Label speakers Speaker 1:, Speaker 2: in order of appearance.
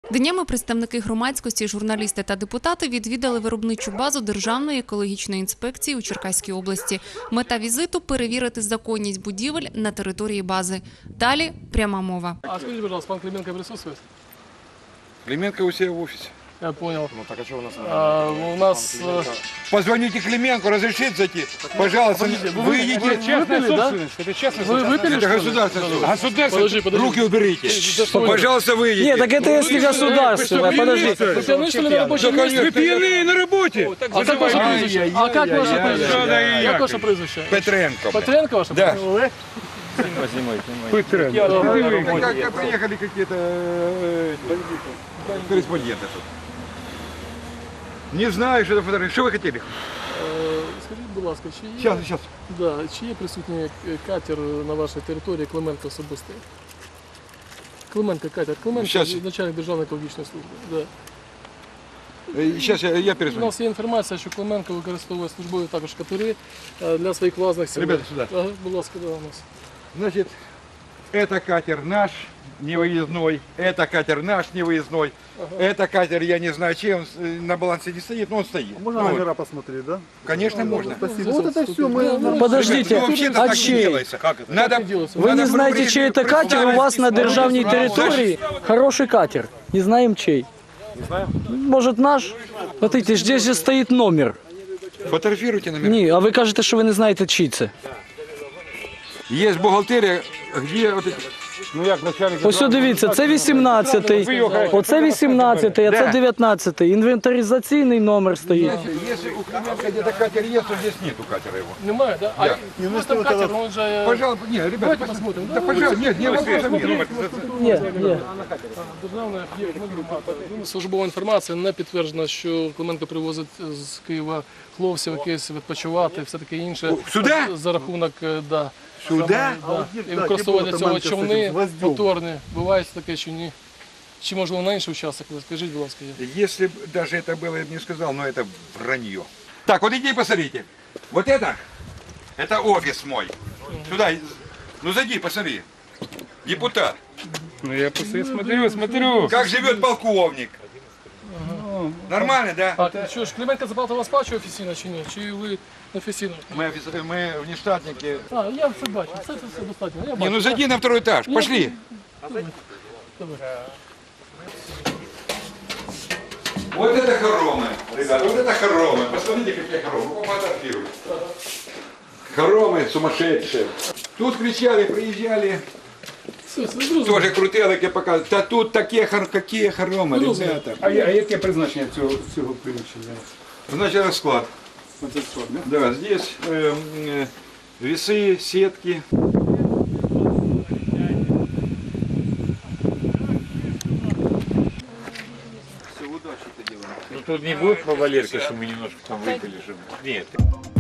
Speaker 1: Днями представники громадськості, журналісти та депутати відвідали виробничу базу Державної екологічної інспекції у Черкаській області. Мета візиту – перевірити законність будівель на території бази. Далі – пряма мова.
Speaker 2: А скажите, пожалуйста, пан Клименко присутствует?
Speaker 3: Клименко у себя в офисе.
Speaker 2: Я понял.
Speaker 4: Ну так а что у нас?
Speaker 2: У нас...
Speaker 3: Позвоните Клименко, разрешите зайти? Пожалуйста, выйдите.
Speaker 2: Вы частная собственность.
Speaker 4: Это честно.
Speaker 2: Вы выпили,
Speaker 3: Это
Speaker 2: что ли?
Speaker 3: государственное.
Speaker 2: Подожди.
Speaker 3: Руки уберите.
Speaker 2: что вы?
Speaker 3: Пожалуйста, выйдите.
Speaker 5: Нет, так это если государственное, подожди.
Speaker 2: Вы пьяны, что ли, на рабочем месте?
Speaker 3: Вы пьяные на работе.
Speaker 2: А как ваше прізвище? А как ваше прізвище? Як ваше прізвище?
Speaker 3: Петренко.
Speaker 2: Петренко ваше?
Speaker 3: Да.
Speaker 2: Олег?
Speaker 3: Как приехали какие-то корреспонденты тут. Не знаю, что это фотография. Что вы хотели?
Speaker 2: Скажіть, будь ласка,
Speaker 3: Сейчас.
Speaker 2: чи є присутній катер на вашій території Клименко особистий? Клименко катер. Клименко
Speaker 3: Щас.
Speaker 2: начальник Державної екологічної служби. Да.
Speaker 3: Сейчас я
Speaker 2: У
Speaker 3: перезвоню.
Speaker 2: нас є інформація, що Клименко використовує службові також катери для своїх власних цілей.
Speaker 3: Ребята, сюда.
Speaker 2: Ага, будь ласка, да, у нас.
Speaker 3: Значит, это катер наш, невыездной. Это катер наш, невыездной. Это катер, я не знаю, чей он на балансе не стоит, но он стоит.
Speaker 4: Можно
Speaker 3: Ну,
Speaker 4: номера посмотреть, да?
Speaker 3: Конечно, можно.
Speaker 4: Спасибо. Вот это все мы...
Speaker 5: Подождите,
Speaker 3: Ну, вообще-то
Speaker 5: а
Speaker 3: так не
Speaker 5: чей?
Speaker 3: делается. Надо,
Speaker 5: Вы не знаете, чей это катер? У вас на державной территории хороший катер. Не знаем чей.
Speaker 4: Не знаю.
Speaker 5: Может наш? Смотрите, здесь же стоит номер.
Speaker 3: Фотографируйте номер.
Speaker 5: Ні, а ви кажете, що ви не знаєте, чий це.
Speaker 3: Есть бухгалтерия, где вот эти...
Speaker 4: Ну як начальник...
Speaker 5: Ось дивіться, це 18-й, оце 18-й, а це 19-й. Інвентаризаційний номер стоїть.
Speaker 3: Если у Клименко где-то катер есть, то здесь нету катера его.
Speaker 2: Немає, да? А
Speaker 3: Да.
Speaker 2: ось там катер, он же...
Speaker 3: Пожалуйста, нет, ребята,
Speaker 2: Давайте посмотрим.
Speaker 3: Да, пожалуйста, нет, не вопросов нет.
Speaker 5: Ні.
Speaker 2: Державна службова інформація не підтверджена, що Клименко привозить з Києва хлопців якесь відпочивати, все таке інше.
Speaker 3: Сюди?
Speaker 2: За рахунок, да.
Speaker 3: Сюда?
Speaker 2: І використовування цього човни моторні. Буває таке чи ні? Чи можливо на інший участок? Скажіть, будь ласка.
Speaker 3: Если бы даже это было, я бы не сказал, но это вранье. Так, вот иди посмотрите. Вот это офис мой. Сюда, ну зайди, посмотри. Депутат.
Speaker 4: Ну я смотрю.
Speaker 3: Как живет полковник. Нормально, да?
Speaker 2: А що ж, Клименко заплатив вас сплачує офіційно чи ні? Чи ви неофіційно?
Speaker 3: Мы офицеры, мы внештатники.
Speaker 2: А, я все бачу, це все достатньо. Я
Speaker 3: Не,
Speaker 2: бачу.
Speaker 3: ну зайди на второй этаж, пошли. Вот это хоромы, ребята, вот это хоромы. Посмотрите, какие хоромы. Пофотографируй. Хоромы сумасшедшие. Тут кричали, приезжали,
Speaker 2: Все, зрозуміло.
Speaker 3: тоже крутелики показывают. Да тут такие, какие хоромы, ребята.
Speaker 4: А яке призначення цього приміщення?
Speaker 3: Значит, расклад.
Speaker 4: Оце що, да?
Speaker 3: Да, здесь весы, сетки.
Speaker 6: Ну тут не будет по Валерке, что мы немножко там выпили, чтобы... Нет.